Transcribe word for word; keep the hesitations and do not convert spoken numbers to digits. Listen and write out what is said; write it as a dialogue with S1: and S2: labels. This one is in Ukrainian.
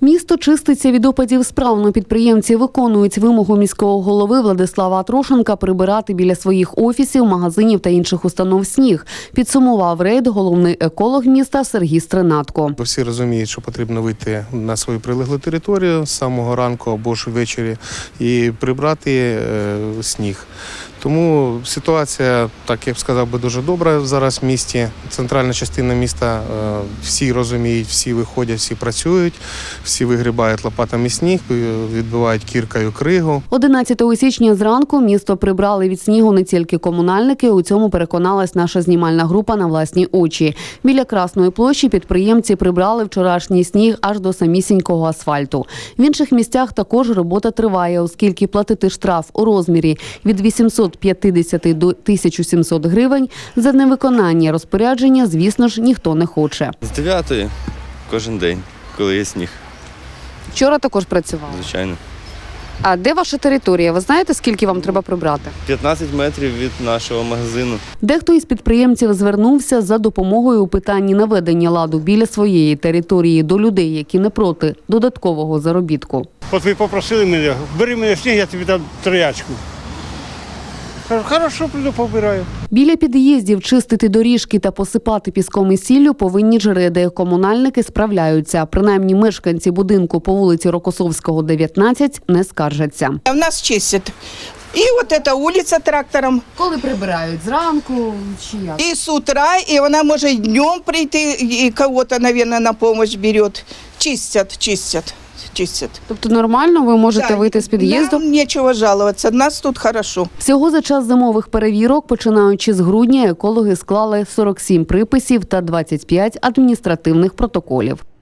S1: Місто чиститься від опадів справно. Підприємці виконують вимогу міського голови Владислава Атрошенка прибирати біля своїх офісів, магазинів та інших установ сніг. Підсумував рейд головний еколог міста Сергій Стринатко.
S2: Всі розуміють, що потрібно вийти на свою прилеглу територію з самого ранку або ж ввечері і прибрати е, сніг. Тому ситуація, так я б сказав, би дуже добра зараз в місті. Центральна частина міста, е, всі розуміють, всі виходять, всі працюють, всі вигрібають лопатами сніг, відбивають кіркою кригу.
S1: одинадцятого січня зранку місто прибрали від снігу не тільки комунальники, у цьому переконалась наша знімальна група на власні очі. Біля Красної площі підприємці прибрали вчорашній сніг аж до самісінького асфальту. В інших місцях також робота триває, оскільки платити штраф у розмірі від вісімсот п'ятдесят до тисячі сімсот гривень за невиконання розпорядження, звісно ж, ніхто не хоче.
S3: З дев'ятої кожен день, коли є сніг,
S1: Вчора також працювали.
S3: звичайно.
S1: А де ваша територія? Ви знаєте, скільки вам треба прибрати?
S3: п'ятнадцять метрів від нашого магазину.
S1: Дехто із підприємців звернувся за допомогою у питанні наведення ладу біля своєї території до людей, які не проти додаткового заробітку.
S4: От ви попросили мене, бери мене сніг, я тобі дам троячку. Кажу, хорошо, прийду, побираю.
S1: Біля під'їздів чистити доріжки та посипати піском і сіллю повинні жреди. Комунальники справляються. Принаймні мешканці будинку по вулиці Рокосовського, дев'ятнадцять, не скаржаться.
S5: У нас чистят. И вот эта улица трактором,
S1: Коли прибирають? Зранку чи як?
S5: и с утра, и она может днем прийти, и кого-то, наверное, на помощь берет. Чистят, чистят, чистят.
S1: Тобто нормально ви можете
S5: Да,
S1: вийти з під'їзду?
S5: Нам нечего жаловаться, нас тут хорошо.
S1: Всього за час зимових перевірок, починаючи з грудня, екологи склали сорок сім приписів та двадцять п'ять адміністративних протоколів.